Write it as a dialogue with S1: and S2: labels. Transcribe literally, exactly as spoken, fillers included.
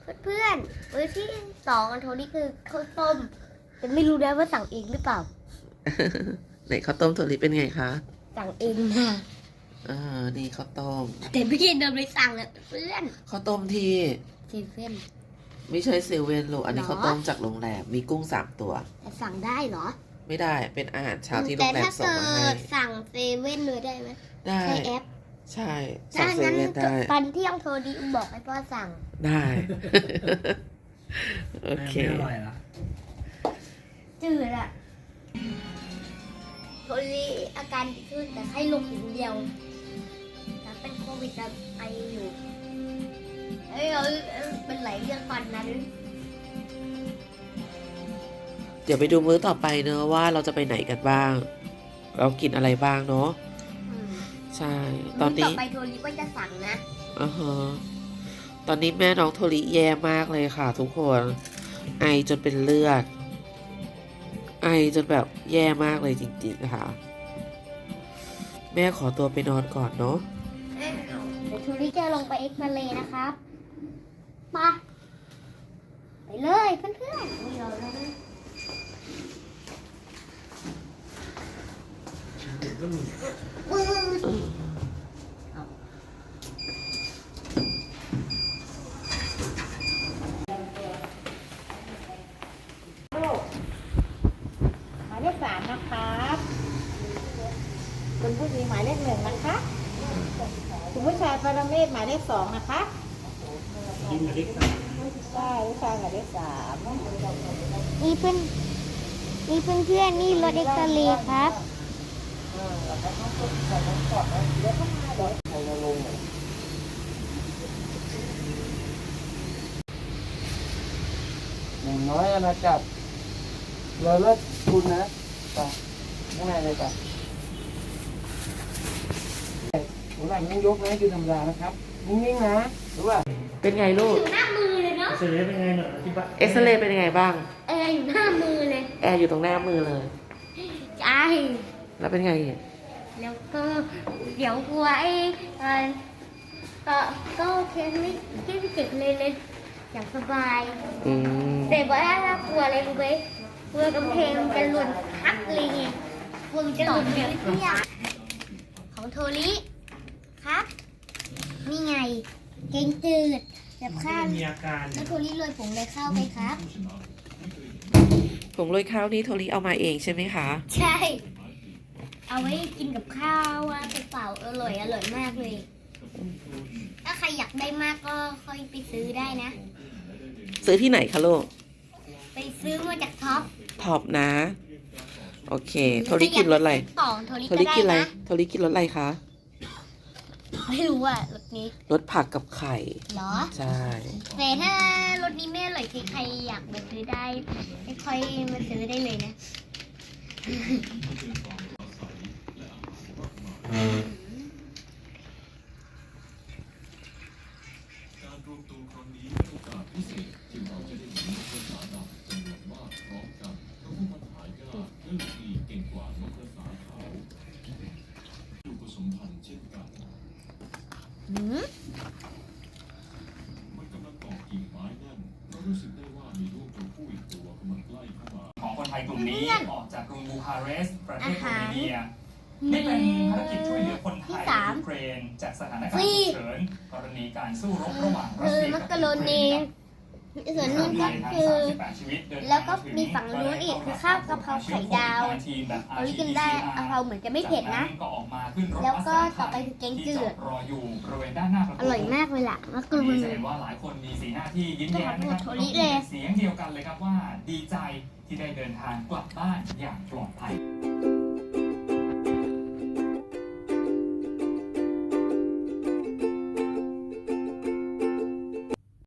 S1: เพื่อนๆมื้อที่สองอันโทนี่คือข้าวต้มแต่ไม่รู้นะว่าสั่งเองหรือเปล่า
S2: ไหนข้าวต้มถั่วลิเป็นไงคะ
S1: สั่งเองค่ะ
S2: อ่านี่ข้าวต้ม
S1: แต่ไม่ได้เดินไปสั่งอะเพื่อน
S2: ข้าวต้มที่
S1: เซเว่น
S2: ไม่ใช่เซเว่นหรอกอันนี้
S1: หรอ
S2: ข้าวต้มจากโรงแรมมีกุ้งสามตัว
S1: แต่สั่งได้เหรอ
S2: ไม่ได้เป็นอาหารเช้าที่โร
S1: แต่
S2: งแรม
S1: ถ้า
S2: ส่ง
S1: เกิ
S2: มาให้
S1: ดสั่งเซเว่นเลยได้ไหม
S2: ได้
S1: ใช้แอป
S2: ใช่สั่
S1: ถ้าง
S2: เซ
S1: งั้น
S2: เว่นได้
S1: ตอนเที่ยงโทนี่บอกให้พ่อสั่ง
S2: ได้ โอเค
S3: ไม่อร่อยละ
S1: จืดอะโทนี่อาการดีขึ้นแต่ไข้ลงอย่างเดียวแต่เป็นโควิดแต่ไออยู่เอ้ยเอาเป็นหลายเรื่องตอนนั้น
S2: เดี๋ยวไปดูมื้อต่อไปเนอะว่าเราจะไปไหนกันบ้าง เรากินอะไรบ้างเนอะ
S1: อืม
S2: ใช่ ตอนนี้
S1: ต่อไปโทนี่ก็จะสั่งนะ
S2: อ่าฮะตอนนี้แม่น้องโทริแย่มากเลยค่ะ ทุกคน ไอจนเป็นเลือด ไอจนแบบแย่มากเลยจริงๆนะคะ แม่ขอตัวไปนอนก่อนเนาะ
S1: เดี๋ยวโทนี่จะลงไปเอ็กซเรย์นะครับมาไปเลยเพื่อนๆไม่รอแล้วนะ
S3: ก็มี
S4: หมายเลขสามนะครับคุณผู้หญิงหมายเลขหนึ่งนะคะคุณผู้ชายปรเมศหมายเลขสองนะคะ
S3: กินมาเล็กสาม
S4: ใช่ผู้ชายหมายเลขสาม
S1: นี่เพื่อนนี่เพื่อนเพื่อนๆนี่รถเอ็กซเรย์ครับ
S3: หนึ่งน้อยอาณาจักรเราเลิกคุณนะไปข้างในเลยจ้ะหัวหลังต้องยกนะคือธรรมดานะครับนิ่งๆนะรู้ป่ะ
S2: เป็นไงลูก
S1: อยู่หน้ามือเลยเนาะ
S3: เสร็จเป็นไงหน่อยที่บ้าน
S2: เอ็กซเรย์เป็นยังไงบ้าง
S1: เอออยู่หน้ามือเลย
S2: แอร์อยู่ตรงหน้ามือเลย
S1: ใช่
S2: แล้วเป็นไงอีก
S1: แล้วก็เดี๋ยวกลัวไอ้เออเออก็โอเคไม่ไม่เจ็บเลยเลยอย่างสบาย
S2: อืม
S1: แต่ว่าถ้ากลัวอะไรรู้ไหมกลัวกำแพงมันจะหล่นทับเลยไงกลัวมันจะหล่นแบบเนี้ยของโทริครับ นี่ไงเกงจืดแบบข้าว
S3: มีอาการ
S1: แล้วโทริโรยผงเลยข้าวไปครับ
S2: ผงโรยข้าวนี้โทริเอามาเองใช่ไหมคะ
S1: ใช่ เอาไว้กินกับข้าวว่าเปล่าๆอร่อยอร่อยมากเลย ถ้าใครอยากได้มากก็ค่อยไปซื้อได้นะ
S2: ซื้อที่ไหนคะลูก
S1: ไปซื้อมาจากท็อป
S2: ท็อปนะ โอเค โทริกินรสอะไร
S1: ต่อโทริ
S2: โท
S1: ก็
S2: ริ
S1: ได้
S2: กินอะไร
S1: นะ
S2: โทริกินรสอะไรคะ
S1: ไม่รู้อ่ะรสนี้
S2: รสผักกับไข่
S1: เหรอ
S2: ใช่
S1: แต่ถ้ารสนี้ไม่อร่อยใครอยากไปซื้อได้ไม่ค่อยมาซื้อได้เลยนะ หืม
S5: ของคนไทยกลุ่มนี้ออกจากกรุงบูคาเรสต์ประเทศโรมาเนียนี่เป็นภารกิจช่วยเหลือคนไทยในยูเครนจากสถานการณ์ฉุกเฉินกรณีการสู้รบระหว่างรัสเซียกับยูเครน
S1: ส่วนนู้นก็คือ แล้วก็มีฝั่งนู้นอีกคือข้าวกะเพราไข่ดาวเรากินได้กะเพราเหมือนจะไม่เผ็ดนะ แล้วก็ต่อไปคือแกงจืด อร่อยมากเลยล่ะมะกรู
S5: วัน
S1: ด
S5: นี้จะเห็นว่าหลายคนมีสีหน้าที่ยิ้มแย้มนะครับ
S1: โทรลิเลย
S5: เสียงเดียวกันเลยครับว่าดีใจที่ได้เดินทางกลับบ้านอย่างปลอดภัย